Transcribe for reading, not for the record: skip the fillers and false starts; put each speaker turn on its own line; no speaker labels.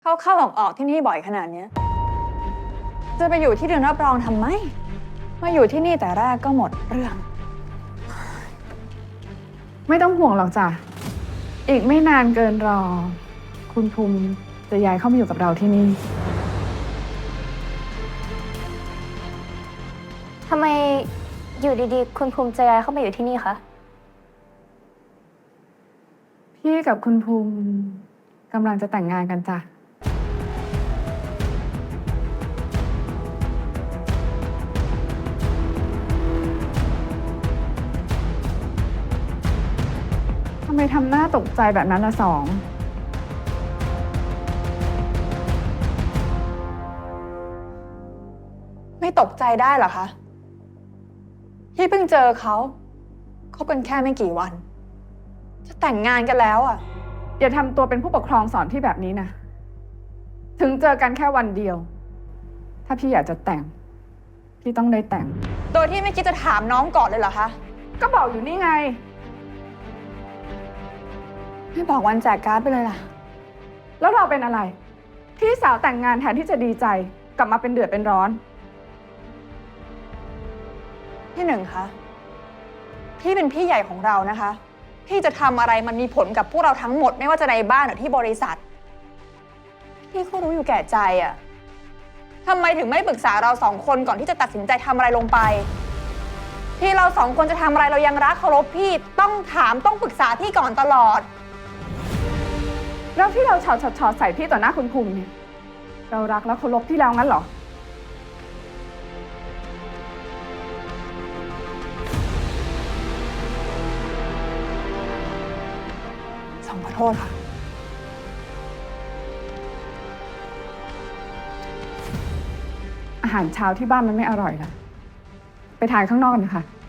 เข้าออกที่นี่บ่อยขนาดเนี้ยจะไปอยู่ที่เรือนรับรองทำไมมาอยู่ที่นี่แต่แรกก็หมดเรื่อง
ไม่ต้องห่วงหรอกจ้ะ อีกไม่นานเกินรอ คุณภูมิจะย้ายเข้ามาอยู่กับเราที่นี่
ทำไมอยู่ดีๆ คุณภูมิจะย้ายเข้ามาอยู่ที่นี่คะ
พี่กับคุณภูมิกำลังจะแต่งงานกันจ้ะ ทำไมทำหน้าตกใจแบบนั้นละสอง
ไม่ตกใจได้เหรอคะที่เพิ่งเจอเขาคบกันแค่ไม่กี่วัน จะแต่งงานกันแล้วอ่ะ
อย่าทำตัวเป็นผู้ปกครองสอนพี่แบบนี้นะ ถึงเจอกันแค่วันเดียว ถ้าพี่อยากจะแต่ง พี่ต้องได้แต่ง
โดยที่ไม่คิดจะถามน้องก่อนเลยเหรอคะ
ก็บอกอยู่นี่ไง
ไม่บอกวันแจกการ์ดไปเลยล่ะ
แล้วเราเป็นอะไร พี่สาวแต่งงานแทนที่จะดีใจ กลับมาเป็นเดือดเป็นร้อน
พี่หนึ่งคะพี่เป็นพี่ใหญ่ของเรานะคะ พี่จะทำอะไรมันมีผลกับพวกเราทั้งหมดไม่ว่าจะในบ้านหรือที่บริษัท พี่ก็รู้อยู่แก่ใจอะทำไมถึงไม่ปรึกษาเราสองคนก่อนที่จะตัดสินใจทำอะไรลงไป ที่เราสองคนจะทำอะไรเรายังรักเคารพพี่ต้องถามต้องปรึกษาพี่ก่อนตลอด
แล้วที่เราชอใส่พี่ต่อหน้าคุณภูมิเนี่ย เรารักและเคารพพี่แล้วงั้นเหรอ
สองขอโทษค่ะ
อาหารเช้าที่บ้านมันไม่อร่อยละไปทานข้างนอกกันนะคะ